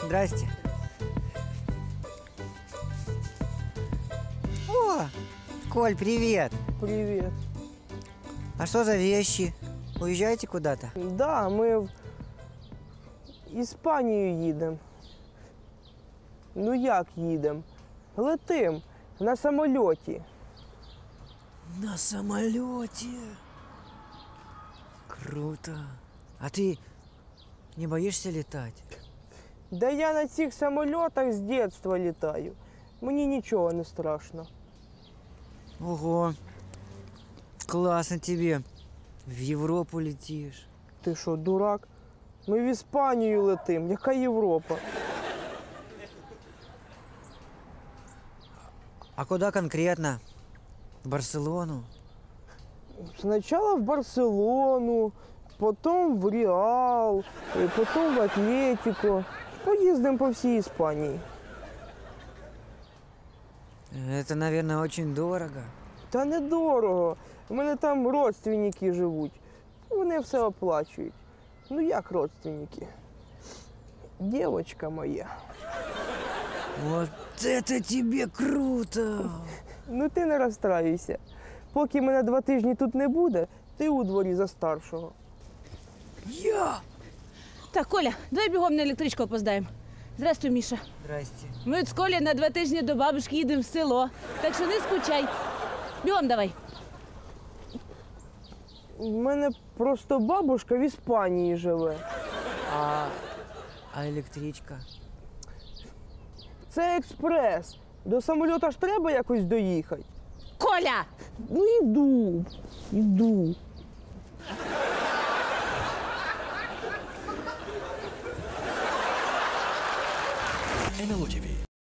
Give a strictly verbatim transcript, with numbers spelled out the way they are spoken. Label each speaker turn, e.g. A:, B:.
A: Здрасте. О, Коль, привет.
B: Привет.
A: А что за вещи? Уезжаете куда-то?
B: Да, ми в Іспанію їдемо. Ну як їдемо? Летим на самольоті.
A: На самолете. Круто. А ты не боишься летать?
B: Да я на цих самольотах з дитинства літаю. Мені нічого не страшно.
A: Ого. Классно тебе. В Европу летишь.
B: Ти що, дурак? Ми в Іспанію летим. Яка Європа?
A: А куда конкретно? В Барселону?
B: Спочатку в Барселону, потім в Реал, і потім в Атлетико. Поїздимо по всій Іспанії.
A: Это, наверное, очень дорого.
B: Та недорого. У мене там родственники живуть. Вони все оплачують. Ну як родственники? Дівчинка моя.
A: Вот это тебе круто!
B: Ну ти не розстраюйся. Поки мене два тижні тут не буде, ти у дворі за старшого.
A: Я!
C: Так, Коля, давай бігом на електричку опоздаємо. Здравствуй, Міша.
A: Здрасте.
C: Ми от з Колі на два тижні до бабушки їдемо в село. Так що не скучай. Бігом давай.
B: У мене просто бабушка в Іспанії живе.
A: А, а электричка?
B: Це експрес. До самольота ж треба якось доїхати.
C: Коля!
B: Ну іду, іду.
D: ен ел о ті ві